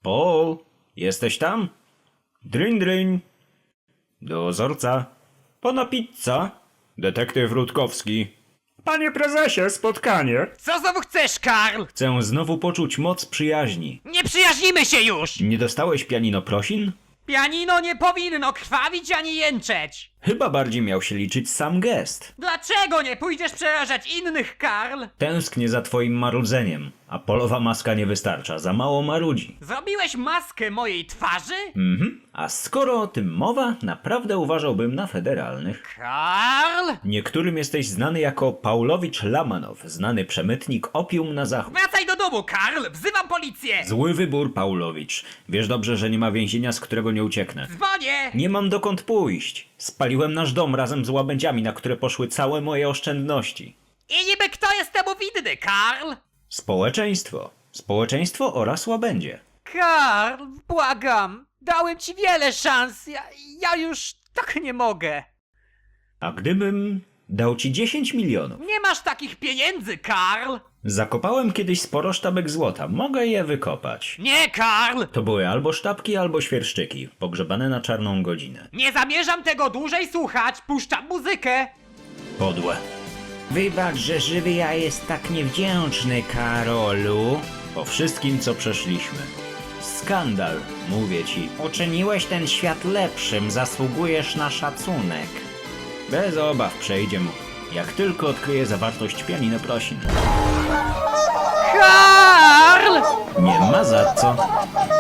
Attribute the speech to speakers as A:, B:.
A: Paul, jesteś tam? Dryń, dryń. Dozorca. Pana pizza. Detektyw Rutkowski. Panie prezesie, spotkanie.
B: Co znowu chcesz, Karl?
A: Chcę znowu poczuć moc przyjaźni.
B: Nie przyjaźnimy się już!
A: Nie dostałeś pianino prosin?
B: Pianino nie powinno krwawić ani jęczeć!
A: Chyba bardziej miał się liczyć sam gest.
B: Dlaczego nie pójdziesz przerażać innych, Karl?
A: Tęsknię za twoim marudzeniem, a polowa maska nie wystarcza, za mało marudzi.
B: Zrobiłeś maskę mojej twarzy?
A: A skoro o tym mowa, naprawdę uważałbym na federalnych.
B: Karl?
A: Niektórym jesteś znany jako Paulowicz Lamanow, znany przemytnik opium na zachód.
B: Wracaj do domu, Karl! Wzywam policję!
A: Zły wybór, Paulowicz. Wiesz dobrze, że nie ma więzienia, z którego nie ucieknę.
B: Dzwonię!
A: Nie mam dokąd pójść. Spaliłem nasz dom razem z łabędziami, na które poszły całe moje oszczędności.
B: I niby kto jest temu winny, Karl?
A: Społeczeństwo. Społeczeństwo oraz łabędzie.
B: Karl, błagam! Dałem ci wiele szans, ja już tak nie mogę.
A: A gdybym dał ci 10 milionów?
B: Nie masz takich pieniędzy, Karl!
A: Zakopałem kiedyś sporo sztabek złota. Mogę je wykopać.
B: Nie, Karl!
A: To były albo sztabki, albo świerszczyki, pogrzebane na czarną godzinę.
B: Nie zamierzam tego dłużej słuchać, puszczam muzykę!
A: Podłe. Wybacz, że żywy ja jest tak niewdzięczny, Karolu. Po wszystkim, co przeszliśmy. Skandal, mówię ci. Uczyniłeś ten świat lepszym, zasługujesz na szacunek. Bez obaw przejdzie mu, jak tylko odkryje zawartość pianino prosin.
B: Karl!
A: Nie ma za co.